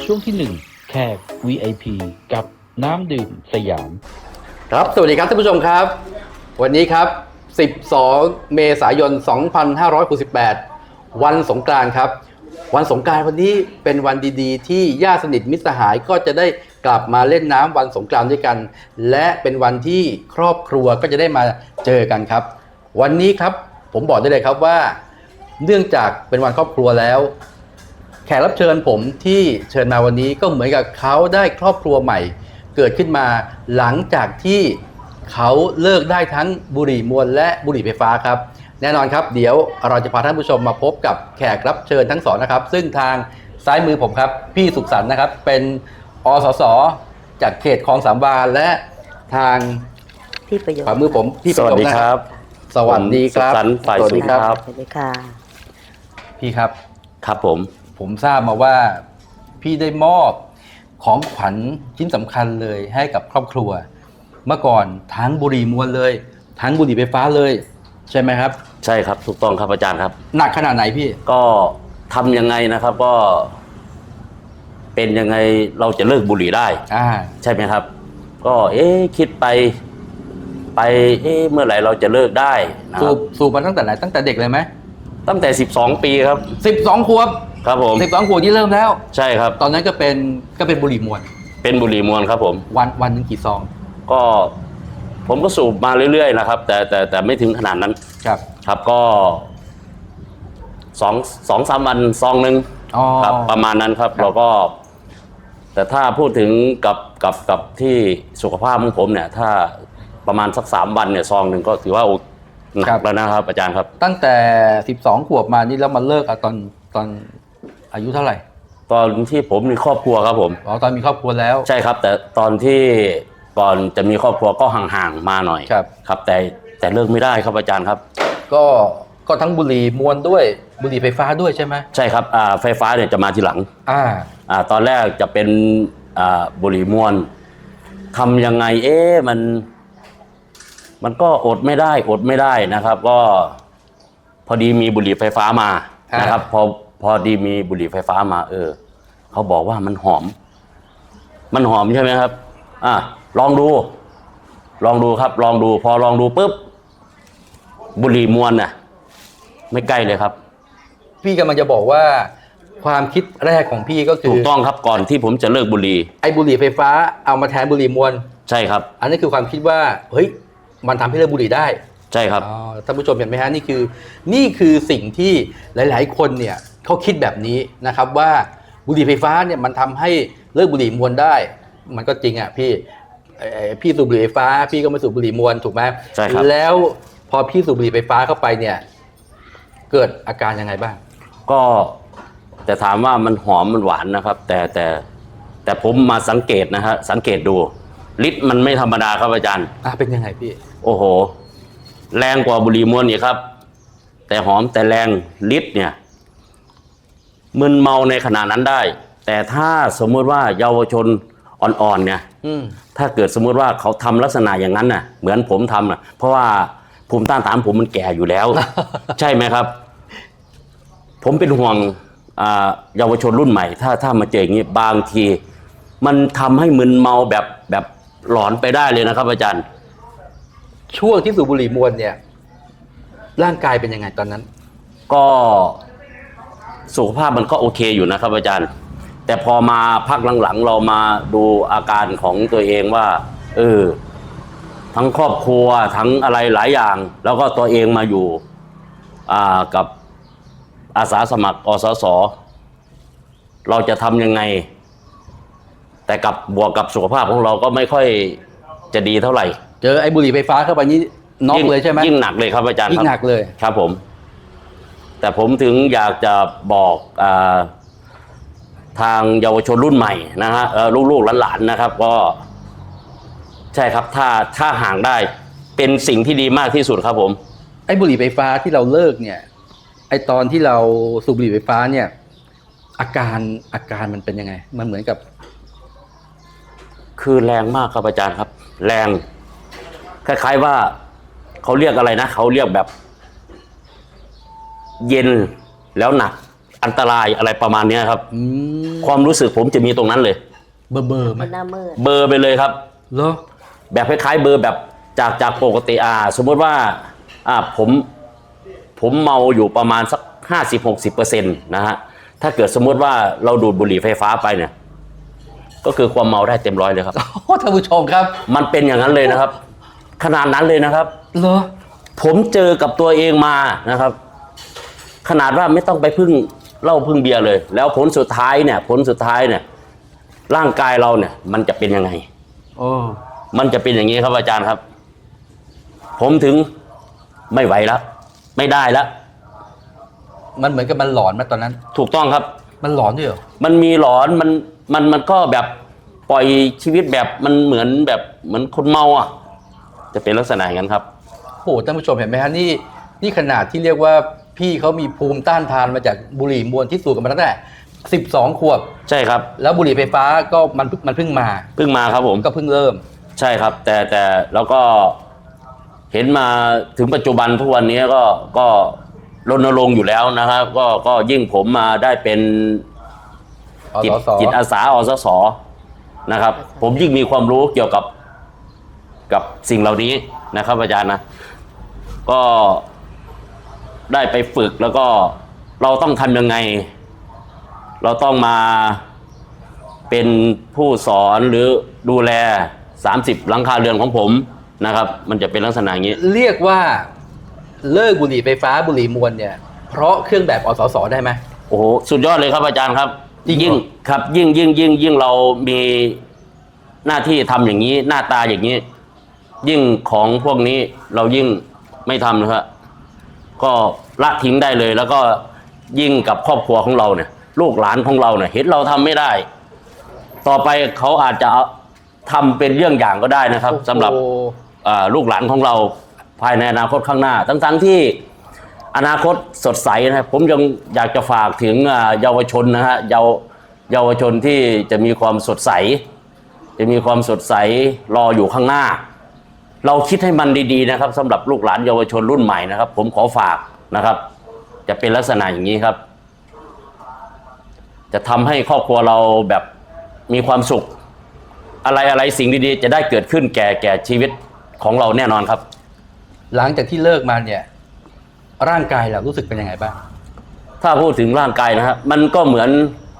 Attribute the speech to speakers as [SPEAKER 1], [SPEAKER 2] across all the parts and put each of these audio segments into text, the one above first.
[SPEAKER 1] ช่วงที่ 1 แขก VIP กับน้ำดื่มสยาม
[SPEAKER 2] ครับสวัสดีครับท่านผู้ชมครับวันนี้ครับ12 เมษายน 2568 วันสงกรานต์ครับวันสงกรานต์วันนี้เป็นวันดีๆที่ญาติสนิทมิตรสหายก็จะได้กลับมาเล่นน้ำวันสงกรานต์ด้วยกันและเป็นวันที่ครอบครัวก็จะได้มาเจอกันครับวันนี้ครับผมบอกได้เลยครับว่าเนื่องจากเป็นวันครอบครัวแล้วแขกรับเชิญผมที่เชิญมาวันนี้ก็เหมือนกับเขาได้ครอบครัวใหม่เกิดขึ้นมาหลังจากที่เขาเลิกได้ทั้งบุหรี่มวลและบุหรี่ไฟฟ้าครับแน่นอนครับเดี๋ยวเราจะพาท่านผู้ชมมาพบกับแขกรับเชิญทั้งสองนะครับซึ่งทางซ้ายมือผมครับพี่สุขสันต์นะครับเป็นอสสจากเขตคลองสามวาและทาง
[SPEAKER 3] พี่ประโยชน์
[SPEAKER 2] ขวามือผมพี่
[SPEAKER 4] สวัสดีครับ
[SPEAKER 2] สวัสดีครับ
[SPEAKER 4] ผมสุขสันต์ฝ่าย
[SPEAKER 2] สวัสดีครับ
[SPEAKER 4] สุข
[SPEAKER 3] สวัสดีค่ะ
[SPEAKER 2] พี่ครับ
[SPEAKER 4] ครับผม
[SPEAKER 2] ผมทราบมาว่าพี่ได้มอบของขวัญชิ้นสำคัญเลยให้กับครอบครัว เมื่อก่อนทั้งบุหรี่มวลเลย ทั้งบุหรี่ไฟฟ้าเลยใช่ไหมครับ
[SPEAKER 4] ใช่ครับถูกต้องครับอาจารย์ครับ
[SPEAKER 2] หนักขนาดไหนพี่
[SPEAKER 4] ก็ทำยังไงนะครับก็ เป็นยังไงเราจะเลิกบุหรี่ได้ ใช่ไหมครับ ก็คิดไปเมื่อไหร่เราจะเลิกได้นะค
[SPEAKER 2] สู
[SPEAKER 4] รับบ
[SPEAKER 2] สูบมาตั้งแต่ไหนตั้งแต่เด็กเลยไหม
[SPEAKER 4] ตั้งแต่12 ปีครับ
[SPEAKER 2] 12 ขวบ
[SPEAKER 4] ครับผม
[SPEAKER 2] 12 ขวบที่เริ่มแล้ว
[SPEAKER 4] ใช่ครับ
[SPEAKER 2] ตอนนั้นก็เป็นบุหรี่มวล
[SPEAKER 4] เป็นบุหรี่มวลครับผม
[SPEAKER 2] วันหนึ่งกี่ซอง
[SPEAKER 4] ก็ผมก็สูบมาเรื่อยๆนะครับ แต่ไม่ถึงขนาดนั้น
[SPEAKER 2] ครับ
[SPEAKER 4] ครับก็สองสามวันซองหนึ่ง
[SPEAKER 2] อ๋อ
[SPEAKER 4] ครับประมาณนั้นครับ
[SPEAKER 2] ครับ
[SPEAKER 4] เราก็ แต่ถ้าพูดถึงกับที่สุขภาพของผมเนี่ย ถ้าประมาณสัก3 วันเนี่ยซองหนึ่งก็ถือว่าหนักแล้วนะครับอาจารย์ครับ
[SPEAKER 2] ตั้งแต่ 12 ขวบมานี่แล้วมาเลิกอะตอนอายุเท่าไหร่
[SPEAKER 4] ตอนที่ผมมีครอบครัวครับผม
[SPEAKER 2] อ๋อตอนมีครอบครัวแล้ว
[SPEAKER 4] ใช่ครับ แต่ตอนที่ก่อนจะมีครอบครัวก็ห่างๆมาหน่อย
[SPEAKER 2] ครับ
[SPEAKER 4] ครับ แต่เลิกไม่ได้ครับอาจารย์ครับ
[SPEAKER 2] ก็ทั้งบุหรี่มวลด้วยบุหรี่ไฟฟ้าด้วยใช่ไหม
[SPEAKER 4] ใช่ครับไฟฟ้าเนี่ยจะมาทีหลัง ตอนแรกจะเป็นบุหรี่มวลทำยังไงมันก็อดไม่ได้นะครับ ก็พอดีมีบุหรี่ไฟฟ้ามานะครับ พอดีมีบุหรี่ไฟฟ้ามาเขาบอกว่ามันหอมใช่ไหมครับลองดูครับลองดูพอลองดูปุ๊บบุหรี่มวลน่ะไม่ใกล้เลยครับ
[SPEAKER 2] พี่กำลังจะบอกว่าความคิดแรกของพี่ก็คื
[SPEAKER 4] ถู
[SPEAKER 2] อก
[SPEAKER 4] ต้องครับก่อนที่ผมจะเลิกบุหรี่
[SPEAKER 2] ไอ้บุหรี่ไฟฟ้าเอามาแทนบุหรี่มวล
[SPEAKER 4] ใช่ครับ
[SPEAKER 2] อันนี้คือความคิดว่าเฮ้ยมันทำให้เลิกบุหรี่ได้
[SPEAKER 4] ใช่ครับ
[SPEAKER 2] ท่านผู้ชมเห็นไหมฮะนี่คือสิ่งที่หลายๆ คนเนี่ยเขาคิดแบบนี้นะครับว่าบุหรี่ไฟฟ้าเนี่ยมันทำให้เลิกบุหรี่มวลได้ มันก็จริงอ่ะพี่สูบบุหรี่ไฟฟ้าพี่ก็ไม่สูบบุหรี่มวลถูกไหม
[SPEAKER 4] ใช่ครับ
[SPEAKER 2] แล้วพอพี่สูบบุหรี่ไฟฟ้าเข้าไปเนี่ยเกิดอาการยังไงบ้าง
[SPEAKER 4] ก็แต่ถามว่ามันหอมมันหวานนะครับ แต่ผมมาสังเกตนะฮะสังเกตดูฤทธิ์มันไม่ธรรมดาครับอาจารย์
[SPEAKER 2] เป็นยังไงพี่
[SPEAKER 4] โอ้โหแรงกว่าบุหรี่มวลอีกครับ แต่หอมแต่แรงฤทธิ์เนี่ยมึนเมาในขณะนั้นได้ แต่ถ้าสมมติว่าเยาวชนอ่อนๆเนี่ยถ้าเกิดสมมติว่าเขาทำลักษณะอย่างนั้นน่ะเหมือนผมทำน่ะเพราะว่าภูมิต้านทานผมมันแก่อยู่แล้ว ใช่ไหมครับ ผมเป็นห่วงเยาวชนรุ่นใหม่ถ้ามาเจออย่างนี้บางทีมันทำให้มึนเมาแบบหลอนไปได้เลยนะครับอาจารย์
[SPEAKER 2] ช่วงที่สูบบุหรี่มวลเนี่ยร่างกายเป็นยังไงตอนนั้น
[SPEAKER 4] ก็สุขภาพมันก็โอเคอยู่นะครับอาจารย์ แต่พอมาพักหลังๆเรามาดูอาการของตัวเองว่าทั้งครอบครัวทั้งอะไรหลายอย่าง แล้วก็ตัวเองมาอยู่กับอาสาสมัครอสสเราจะทำยังไง แต่บวกกับสุขภาพของเราก็ไม่ค่อยจะดีเท่าไหร่
[SPEAKER 2] เจอไอ้บุหรี่ไฟฟ้าเข้าไปนี้น็อกเลยใช่ไหม
[SPEAKER 4] ยิ่งหนักเลยครับอาจารย์
[SPEAKER 2] ยิ่งหนักเลย
[SPEAKER 4] ครับผม แต่ผมถึงอยากจะบอกทางเยาวชนรุ่นใหม่นะฮะลูกๆหลานๆนะครับก็ใช่ครับถ้าห่างได้เป็นสิ่งที่ดีมากที่สุดครับผม
[SPEAKER 2] ไอ้บุหรี่ไฟฟ้าที่เราเลิกเนี่ยไอ้ตอนที่เราสูบบุหรี่ไฟฟ้าเนี่ยอาการมันเป็นยังไงมันเหมือนกับ
[SPEAKER 4] คือแรงมากครับอาจารย์ครับ แรงคล้ายๆว่าเขาเรียกอะไรนะเขาเรียกแบบเย็นแล้วหนักอันตรายอะไรประมาณเนี้ยครับ
[SPEAKER 2] ม
[SPEAKER 4] ความรู้สึกผมจะมีตรงนั้นเลย
[SPEAKER 2] เบอร์ไหม
[SPEAKER 3] มันหน้ามืด
[SPEAKER 4] เบลอร์ไปเลยครับ
[SPEAKER 2] เหรอ
[SPEAKER 4] แบบคล้ายๆเบลอร์แบบจากปกติสมมติว่าผมเมาอยู่ประมาณสัก50-60%นะฮะถ้าเกิดสมมติว่าเราดูดบุหรี่ไฟฟ้าไปเนี่ยก็คือความเมาได้เต็มร้อยเลยครับ
[SPEAKER 2] โอ้ท่านผู้ชมครับ
[SPEAKER 4] มันเป็นอย่างนั้นเลยนะครับ ขนาดนั้นเลยนะครับ
[SPEAKER 2] เหรอ
[SPEAKER 4] ผมเจอกับตัวเองมานะครับ ขนาดว่าไม่ต้องไปพึ่งเหล้าพึ่งเบียร์เลย แล้วผลสุดท้ายเนี่ยร่างกายเราเนี่ย มันจะเป็นยังไง
[SPEAKER 2] โอ้
[SPEAKER 4] มันจะเป็นอย่างนี้ครับอาจารย์ครับ ผมถึงไม่ไหวแล้วไม่ได้แล้ว
[SPEAKER 2] มันเหมือนกับมันหลอนมาตอนนั้น
[SPEAKER 4] ถูกต้องครับ
[SPEAKER 2] มันหลอนด้วยเหรอ
[SPEAKER 4] มันมีหลอนมันก็แบบปล่อยชีวิตแบบมันเหมือนคนเมาอ่ะ จะเป็นลักษณะอย่างนั้นครับ
[SPEAKER 2] โหท่านผู้ชมเห็นไหมฮะนี่ขนาดที่เรียกว่าพี่เขามีภูมิต้านทานมาจากบุหรี่มวลที่สูบกันมาตั้งแต่12 ขวบ
[SPEAKER 4] ใช่ครับ
[SPEAKER 2] แล้วบุหรี่ไฟฟ้าก็มันเพิ่งมา
[SPEAKER 4] เพิ่งมาครับผม
[SPEAKER 2] ก็เพิ่งเริ่ม
[SPEAKER 4] ใช่ครับ แต่แล้วก็เห็นมาถึงปัจจุบันทุกวันนี้ก็รณรงค์อยู่แล้วนะครับ ก็ยิ่งผมมาได้เป็น
[SPEAKER 2] อสส
[SPEAKER 4] จิตอาสาอสสนะครับ ผมยิ่งมีความรู้เกี่ยวกับสิ่งเหล่านี้นะครับอาจารย์นะ ก็ได้ไปฝึกแล้วก็เราต้องทำยังไง เราต้องมาเป็นผู้สอนหรือดูแล30หลังคาเรือนของผมนะครับ มันจะเป็นลักษณะอย่างนี้
[SPEAKER 2] เรียกว่าเลิกบุหรี่ไฟฟ้าบุหรี่มวลเนี่ยเพราะเครื่องแบบอสสได้ไหม
[SPEAKER 4] โอ้โหสุดยอดเลยครับอาจารย์ครับ
[SPEAKER 2] จริงเหรอ
[SPEAKER 4] ยิ่งครับยิ่งเรามีหน้าที่ทำอย่างนี้หน้าตาอย่างนี้ ยิ่งของพวกนี้เรายิ่งไม่ทำนะครับก็ละทิ้งได้เลย แล้วก็ยิ่งกับครอบครัวของเราเนี่ย ลูกหลานของเราเนี่ยเห็นเราทำไม่ได้ ต่อไปเขาอาจจะทำเป็นเรื่องอย่างก็ได้นะครับสำหรับ
[SPEAKER 2] โอ้โห
[SPEAKER 4] ลูกหลานของเราภายในอนาคตข้างหน้าทั้งที่อนาคตสดใสนะครับผมยังอยากจะฝากถึงเยาวชนนะฮะเยาวชนที่จะมีความสดใสรออยู่ข้างหน้า เราคิดให้มันดีๆนะครับสำหรับลูกหลานเยาวชนรุ่นใหม่นะครับ ผมขอฝากนะครับ จะเป็นลักษณะอย่างนี้ครับ จะทำให้ครอบครัวเราแบบมีความสุข อะไรสิ่งดีๆจะได้เกิดขึ้นแก่ชีวิตของเราแน่นอนครับ
[SPEAKER 2] หลังจากที่เลิกมาเนี่ยร่างกายเรารู้สึกเป็นยังไงบ้าง
[SPEAKER 4] ถ้าพูดถึงร่างกายนะครับมันก็เหมือน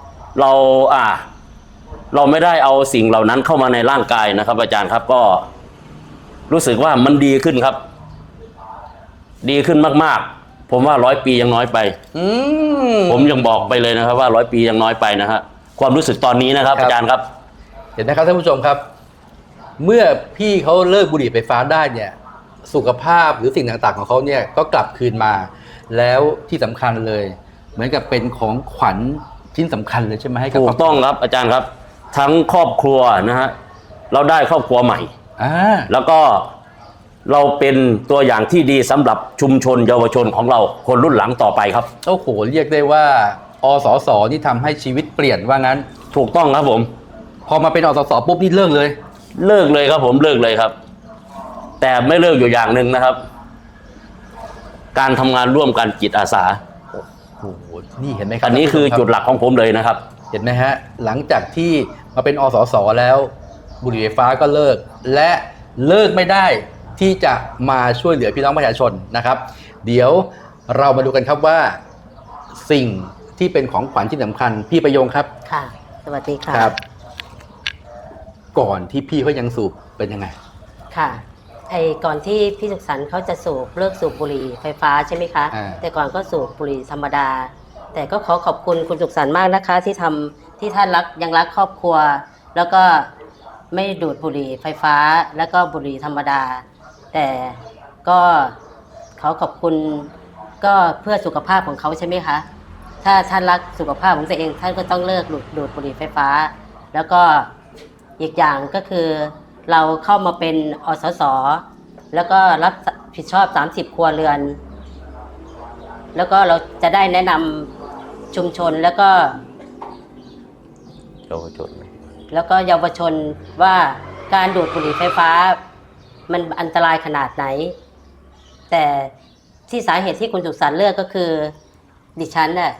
[SPEAKER 4] เราไม่ได้เอาสิ่งเหล่านั้นเข้ามาในร่างกายนะครับ อาจารย์ครับก็รู้สึกว่ามันดีขึ้นครับ ดีขึ้นมากๆผมว่า100 ปียังน้อยไป ผมยังบอกไปเลยนะครับว่า100 ปียังน้อยไปนะฮะความรู้สึกตอนนี้นะครับ อาจารย์ครับ
[SPEAKER 2] เห็นไหมครับท่านผู้ชมครับ เมื่อพี่เขาเลิกบุหรี่ไฟฟ้าได้เนี่ยสุขภาพหรือสิ่งต่างๆของเขาเนี่ยก็กลับคืนมา แล้วที่สำคัญเลย เหมือนกับเป็นของขวัญชิ้นสำคัญเลยใช่ไหมให้กับ
[SPEAKER 4] ถูกต้องครับอาจารย์ครับ ทั้งครอบครัวนะฮะเราได้ครอบครัวใหม่ แล้วก็เราเป็นตัวอย่างที่ดีสำหรับชุมชนเยาวชนของเราคนรุ่นหลังต่อไปครับ
[SPEAKER 2] โอ้โหเรียกได้ว่าอสสนี่ทำให้ชีวิตเปลี่ยนว่างั้น
[SPEAKER 4] ถูกต้องครับผม
[SPEAKER 2] พอมาเป็นอสสปุ๊บนี่เลิกเลย
[SPEAKER 4] เลิกเลยครับผมเลิกเลยครับ แต่ไม่เลิกอยู่อย่างหนึ่งนะครับ การทำงานร่วมกันจิตอาสา
[SPEAKER 2] โอ้โหนี่เห็นไหมครับ
[SPEAKER 4] อันนี้คือจุดหลักของผมเลยนะครับ
[SPEAKER 2] เห็นไหมฮะหลังจากที่มาเป็นอสสแล้วบุหรี่ไฟฟ้าก็เลิก และเลิกไม่ได้ที่จะมาช่วยเหลือพี่น้องประชาชนนะครับ เดี๋ยวเรามาดูกันครับว่าสิ่งที่เป็นของขวัญที่สำคัญพี่ประโยงครับ
[SPEAKER 3] ค่ะ สวัสดีค่ะ
[SPEAKER 2] ครับ ก่อนที่พี่เขายังสูบเป็นยังไง
[SPEAKER 3] ค่ะก่อนที่พี่สุขสันต์เขาจะเลิกสูบบุหรี่ไฟฟ้าใช่ไหมคะ แต่ก่อนก็สูบบุหรี่ธรรมดา แต่ก็ขอบคุณคุณสุขสันต์มากนะคะที่ท่านยังรักครอบครัว แล้วก็ไม่ดูดบุหรี่ไฟฟ้าแล้วก็บุหรี่ธรรมดา แต่ก็ขอบคุณก็เพื่อสุขภาพของเขาใช่ไหมคะถ้าท่านรักสุขภาพของตัวเองท่านก็ต้องเลิกดูดบุหรี่ไฟฟ้า แล้วก็อีกอย่างก็คือเราเข้ามาเป็นอสสแล้วก็รับผิดชอบ30 ครัวเรือน แล้วก็เราจะได้แนะนำชุมชนแล้วก็เยาวชนว่าการดูดบุหรี่ไฟฟ้ามันอันตรายขนาดไหน แต่ที่สาเหตุที่คุณสุขสันต์เลิกก็คือดิฉันน่ะ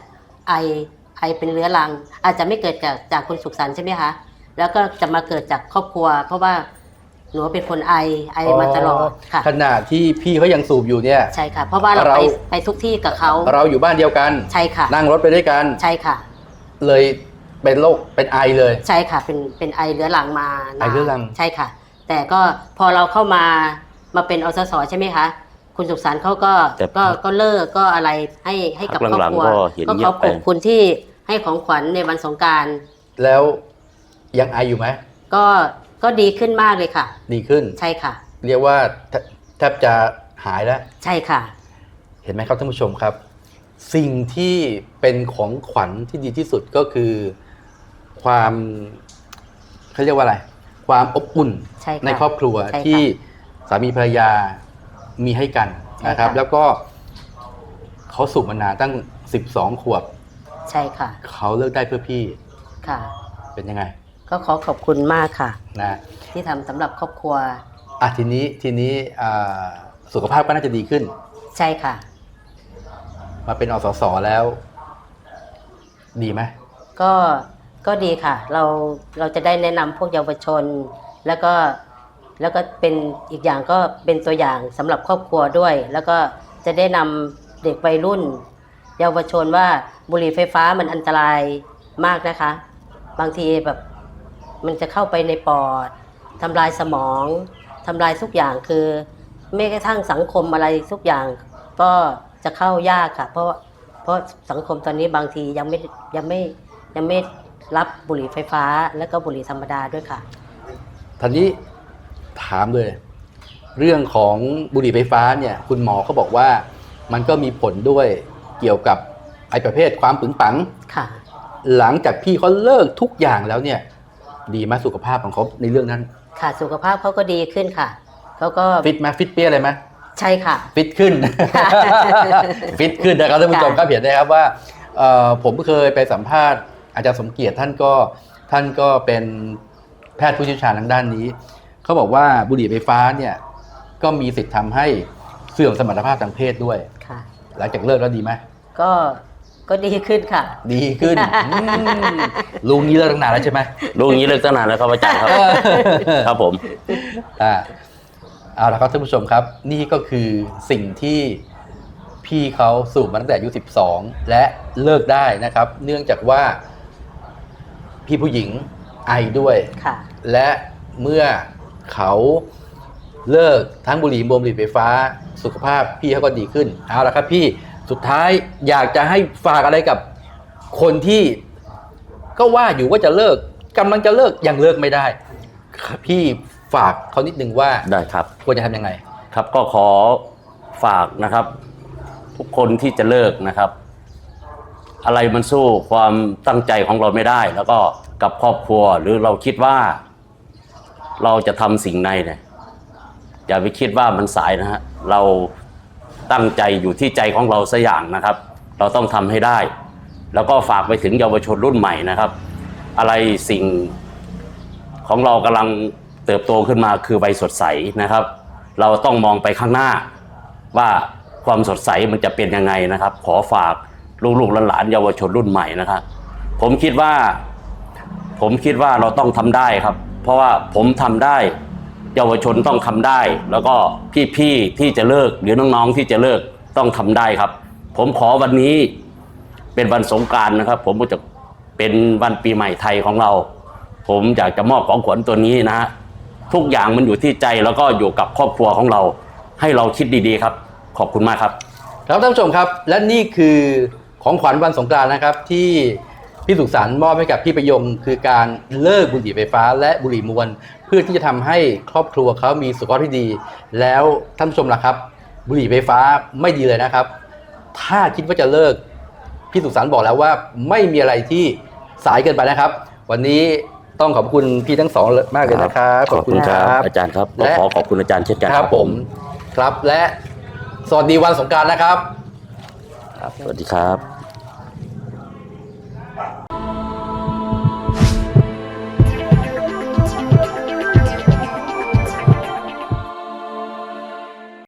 [SPEAKER 3] ไอเป็นเรื้อรัง อาจจะไม่เกิดจากคุณสุขสันต์ใช่ไหมคะแล้วก็จะมาเกิดจากครอบครัว เพราะว่าหนูเป็นคนไอมาตลอดค่ะ
[SPEAKER 2] ขณะที่พี่เขายังสูบอยู่เนี่ย
[SPEAKER 3] ใช่ค่ะเพราะว่าเราไปทุกที่กับเขา
[SPEAKER 2] เราอยู่บ้านเดียวกัน
[SPEAKER 3] ใช่ค่ะ
[SPEAKER 2] นั่งรถไปด้วยกัน
[SPEAKER 3] ใช่ค่ะ
[SPEAKER 2] เลยเป็นโรคเป็นไอเลย
[SPEAKER 3] ใช่ค่ะเป็นไอเรื้อรังมา
[SPEAKER 2] ไอเรื้อรัง
[SPEAKER 3] ใช่ค่ะแต่ก็พอเราเข้ามาเป็นอสสใช่ไหมคะคุณสุขสันต์เขาก็เลิกก็อะไรให้กับครอบครัวก็ขอบคุณที่ให้ของขวัญในวันสงกรานต์
[SPEAKER 2] แล้วยังไออยู่ไหม
[SPEAKER 3] ก็ดีขึ้นมากเลยค่ะ
[SPEAKER 2] ดีขึ้น
[SPEAKER 3] ใช่ค่ะ
[SPEAKER 2] เรียกว่าแทบจะหายแล้ว
[SPEAKER 3] ใช่ค่ะ
[SPEAKER 2] เห็นไหมครับท่านผู้ชมครับ สิ่งที่เป็นของขวัญที่ดีที่สุดก็คือความเขาเรียกว่าอะไรความอบอุ่นในครอบครัวที่สามีภรรยามีให้กันนะครับแล้วก็เขาสูบมานานตั้ง12 ขวบ
[SPEAKER 3] ใช่ค่ะ
[SPEAKER 2] เขาเลิกได้เพื่อพี่
[SPEAKER 3] ค่ะ
[SPEAKER 2] เป็นยังไง
[SPEAKER 3] ก็ขอบคุณมากค่ะ
[SPEAKER 2] นะ
[SPEAKER 3] ที่ทำสำหรับครอบครัว
[SPEAKER 2] ทีนี้สุขภาพก็น่าจะดีขึ้น
[SPEAKER 3] ใช่ค่ะ
[SPEAKER 2] มาเป็นอสสแล้วดีไหม
[SPEAKER 3] ก็ดีค่ะเราจะได้แนะนำพวกเยาวชนแล้วก็เป็นอีกอย่างก็เป็นตัวอย่างสำหรับครอบครัวด้วยแล้วก็จะได้นำเด็กวัยรุ่นเยาวชนว่าบุหรี่ไฟฟ้ามันอันตรายมากนะคะบางทีแบบมันจะเข้าไปในปอดทำลายสมองทำลายทุกอย่างคือแม้กระทั่งสังคมอะไรทุกอย่างก็จะเข้ายากค่ะเพราะสังคมตอนนี้บางทียังไม่รับบุหรี่ไฟฟ้าและก็บุหรี่ธรรมดาด้วยค่ะ
[SPEAKER 2] ทีนี้ถามเลยเรื่องของบุหรี่ไฟฟ้าเนี่ยคุณหมอเขาบอกว่ามันก็มีผลด้วยเกี่ยวกับไอ้ประเภทความปึงปัง
[SPEAKER 3] ค่ะ
[SPEAKER 2] หลังจากพี่เขาเลิกทุกอย่างแล้วเนี่ยดีไหมสุขภาพของเขาในเรื่องนั้น
[SPEAKER 3] ค่ะสุขภาพเขาก็ดีขึ้นค่ะเขาก็
[SPEAKER 2] ฟิตไหมฟิตเปี้ยอะไรไหม
[SPEAKER 3] ใช่ค่ะ
[SPEAKER 2] ฟิตขึ้น ฟิตขึ้นนะครับท่านผู้ชมก็เห็นได้ครับว่าผมเคยไปสัมภาษณ์อาจารย์สมเกียรติท่านก็เป็นแพทย์ผู้เชี่ยวชาญทางด้านนี้เขาบอกว่าบุหรี่ไฟฟ้าเนี่ยก็มีสิทธิ์ทำให้เสื่อมสมรรถภาพทางเพศด้วย
[SPEAKER 3] ค่ะ
[SPEAKER 2] หลังจากเลิกแล้วดีไหม
[SPEAKER 3] ก็ดีขึ้นค่ะ
[SPEAKER 2] ดีขึ้นลุงนี้เลิกตั้งนานแล้วใช่ไหม
[SPEAKER 4] ลุงนี้เลิกตั้งนานแล้วครับอาจารย์ครับครับผม
[SPEAKER 2] เอาละครับท่านผู้ชมครับนี่ก็คือสิ่งที่พี่เขาสูบมาตั้งแต่อายุ12และเลิกได้นะครับเนื่องจากว่าพี่ผู้หญิงไอด้วยและเมื่อเขาเลิกทั้งบุหรี่บุหรี่ไฟฟ้าสุขภาพพี่เขาก็ดีขึ้นเอาละครับพี่สุดท้ายอยากจะให้ฝากอะไรกับคนที่ก็ว่าอยู่ว่าจะเลิกกำลังจะเลิกยังเลิกไม่ได้พี่ฝากเขานิดนึงว่า
[SPEAKER 4] ได้ครับ
[SPEAKER 2] ควรจะทำยังไง
[SPEAKER 4] ครับก็ขอฝากนะครับทุกคนที่จะเลิกนะครับอะไรมันสู้ความตั้งใจของเราไม่ได้แล้วก็กับครอบครัวหรือเราคิดว่าเราจะทำสิ่งใดเนี่ยอย่าไปคิดว่ามันสายนะฮะเราตั้งใจอยู่ที่ใจของเราสักอย่างนะครับเราต้องทำให้ได้แล้วก็ฝากไปถึงเยาวชนรุ่นใหม่นะครับอะไรสิ่งของเรากำลังเติบโตขึ้นมาคือใบสดใสนะครับเราต้องมองไปข้างหน้าว่าความสดใสมันจะเป็นยังไงนะครับขอฝากลูกๆหลานๆเยาวชนรุ่นใหม่นะครับผมคิดว่าเราต้องทำได้ครับเพราะว่าผมทำได้เยาวชนต้องทำได้แล้วก็พี่ๆที่จะเลิกหรือน้องๆที่จะเลิกต้องทำได้ครับผมขอวันนี้เป็นวันสงกรานต์นะครับผมก็จะเป็นวันปีใหม่ไทยของเราผมอยากจะมอบของขวัญตัวนี้นะฮะทุกอย่างมันอยู่ที่ใจแล้วก็อยู่กับครอบครัวของเราให้เราคิดดีๆครับขอบคุณมากครับ
[SPEAKER 2] ครับท่านผู้ชมครับและนี่คือของขวัญวันสงกรานต์นะครับที่พี่สุขสันต์มอบให้กับพี่ประยงคือการเลิกบุหรี่ไฟฟ้าและบุหรี่มวลเพื่อที่จะทำให้ครอบครัวเขามีสุขภาพที่ดีแล้วท่านผู้ชมล่ะครับบุหรี่ไฟฟ้าไม่ดีเลยนะครับถ้าคิดว่าจะเลิกพี่สุขสันต์บอกแล้วว่าไม่มีอะไรที่สายเกินไปนะครับวันนี้ต้องขอบคุณพี่ทั้งสองมากเลยนะครับ
[SPEAKER 4] ขอบคุณครับอาจารย์ครับและขอบคุณอาจารย์เช่นกัน
[SPEAKER 2] ครับผมครับและสวัสดีวันสงกรานต์นะครับ
[SPEAKER 4] สวัสดีครับ